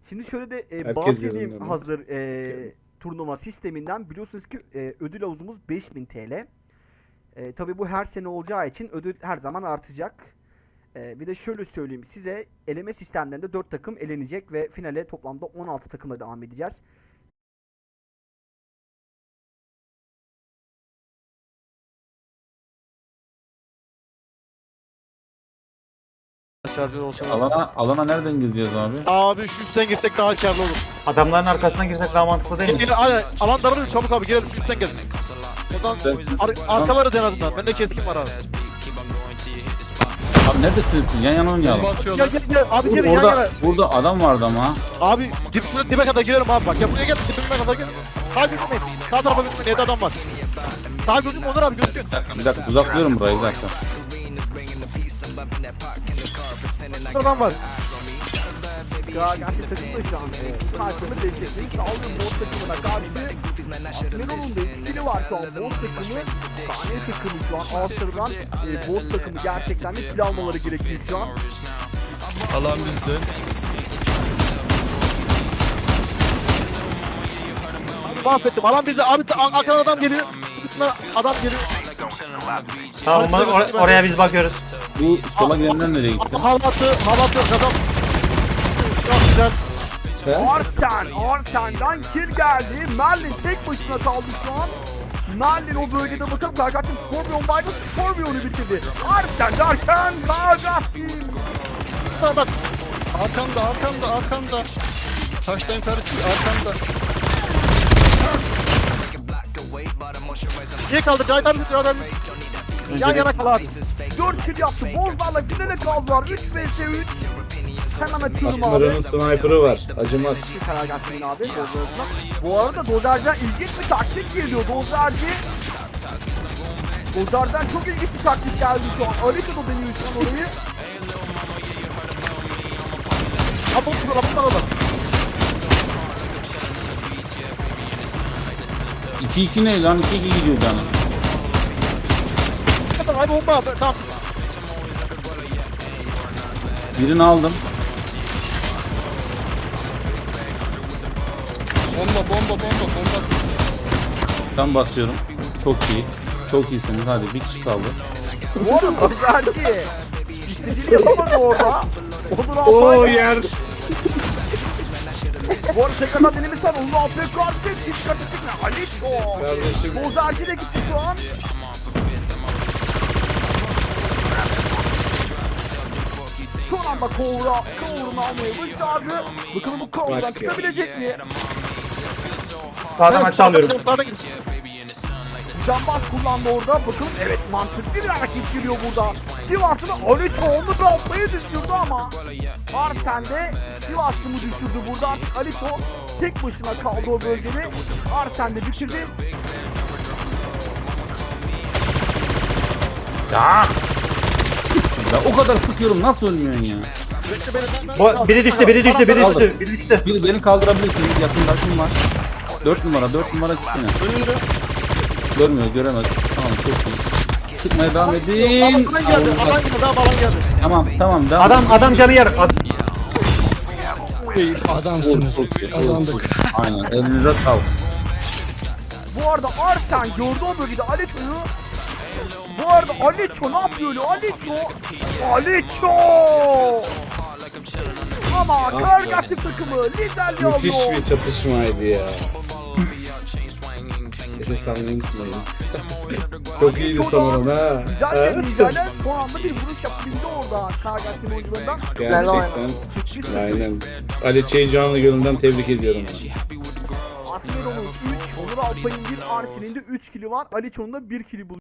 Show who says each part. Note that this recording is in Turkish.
Speaker 1: Şimdi şöyle de
Speaker 2: Herkes
Speaker 1: bahsedeyim
Speaker 2: yazılımda.
Speaker 1: hazır turnuva sisteminden. Biliyorsunuz ki ödül havuzumuz 5000 TL. Tabii bu her sene olacağı için ödül her zaman artacak. Bir de şöyle söyleyeyim size, eleme sistemlerinde 4 takım elenecek ve finale toplamda 16 takımla devam edeceğiz.
Speaker 3: Şarjör olsa olur.
Speaker 2: Alana nereden gidiyoruz abi?
Speaker 3: Abi şu üstten girsek daha karlı olur.
Speaker 4: Adamların arkasından girsek daha mantıklı değil mi?
Speaker 3: Gel aynen alan daralıyor çabuk abi girelim şu üstten gel. Oradan arkalarız en azından. Bende keskin var abi.
Speaker 2: Abi neredesiniz? Yan yana oynayalım.
Speaker 3: Gel abi gelin yan yana.
Speaker 2: Burada adam vardı ama.
Speaker 3: Abi dip şuraya dibe kadar girelim abi bak. Ya buraya gel dibime kadar gel. Sağ gözükmeyin. Sağ tarafa gözükmeyin. Evde adam var. Sağ gözükme Onur abi gözüküyor.
Speaker 2: Bir dakika uzaklıyorum burayı bir dakika.
Speaker 3: Adam var.
Speaker 1: Karagati takımı da şu an sniper'ını destekleyin. Sağolun boss takımına karşı Asmeron'un da etkili var şu an boss takımı. Kane takımı şu an Astra'dan boss takımı gerçekten de kill almaları gerekiyor şu an.
Speaker 5: Alan bizde.
Speaker 3: Mahvettim. Alan bizde. Abi arkadan adam geliyor. Üstüne adam geliyor.
Speaker 4: Tamam oraya biz bakıyoruz.
Speaker 2: Bu sola gidenler nereye gitti?
Speaker 3: Halatı adam. Çok güzel.
Speaker 1: Arsen'dan kill geldi. Merlin tek başına kaldı şu an. Merlin o bölgede bakalım Karagati Scorpion vardı. Scorpion'u bitirdi. Arsen derken Karagati.
Speaker 3: Bak.
Speaker 5: Arkamda. Taştan yukarı çık arkamda.
Speaker 3: İyi kaldı. Cahit abi bitir adam. Yan yana kal abi.
Speaker 1: 4 kill yaptı. Bozlarla finale kaldılar. 3 vs 3. Hemen açıyorum abi.
Speaker 2: Asmara'nın sniper'ı var. Acımaz.
Speaker 1: Karagati'nin abi Dozer'ına. Bu arada Dozer'den ilginç bir taktik geliyor. Dozer'den çok ilginç bir taktik geldi şu an. Alito da deniyor şu an orayı.
Speaker 3: Abone ol.
Speaker 2: 2-2 ne lan? 2-2 gidiyor canım.
Speaker 3: Abi bomba abi. Tamam.
Speaker 2: Birini aldım.
Speaker 5: Bomba.
Speaker 2: Tam basıyorum. Çok iyi. Çok iyisiniz. Hadi bir kişi kaldı.
Speaker 1: Bu arada Dozer'ci istediğini yapamadı orada. Onur
Speaker 2: Oo
Speaker 1: Alpay.
Speaker 2: yer.
Speaker 1: Bu arada tekrardan denemişler. Onur Alpay karşı dikkat ettik mi? Alito.
Speaker 2: Kardeşim.
Speaker 1: Dozer'ci de gitti şu an. Son anda Kovur'unu almayı başardı. Bakalım bu Kovur'dan çıkabilecek mi?
Speaker 4: Sağdan aşağı alıyorum.
Speaker 1: Cambaz kullandı orada. Bakalım evet mantıklı bir hareket giriyor burada. Sivas'ın Alito onu Alpay'ı düşürdü ama Arsen de Sivas'ı mı düşürdü burada. Artık Alito tek başına kaldı o bölgede. Arsen de bitirdi.
Speaker 2: Ya o kadar sıkıyorum nasıl ölmüyorsun ya?
Speaker 4: Biri düştü.
Speaker 2: Bir beni kaldırabilirsiniz. Yakındaşım var. 4 numara gitsene. Göremez. Tamam çok iyi. Sıkmaya devam edin.
Speaker 3: Alan geldi.
Speaker 2: Tamam devam.
Speaker 4: Adam canı yer.
Speaker 5: Adamsınız. Kazandık.
Speaker 2: Aynen elinize sağlık.
Speaker 1: Bu arada Arsen gördü o bölgede Alito'yu. Bu arada Alito ne yapıyor öyle? Alito! Ama Karagati takımı liderliği alıyor.
Speaker 6: Müthiş bir çatışmaydı ya. Efes'ten unutmayın. Çok iyiydi sanırım ha.
Speaker 1: Güzel bir mücadele. Son anda bir vuruş yapabildi orada Karagati'nin oyuncularından.
Speaker 6: Gerçekten. Aynen. Ali Çey'i canlı gönülden tebrik ediyorum.
Speaker 1: Asmeron'un 3, Onur Alpay'ın 1, Arsen'in de 3 kili var. Aliço'nun da 1 kili buluyor.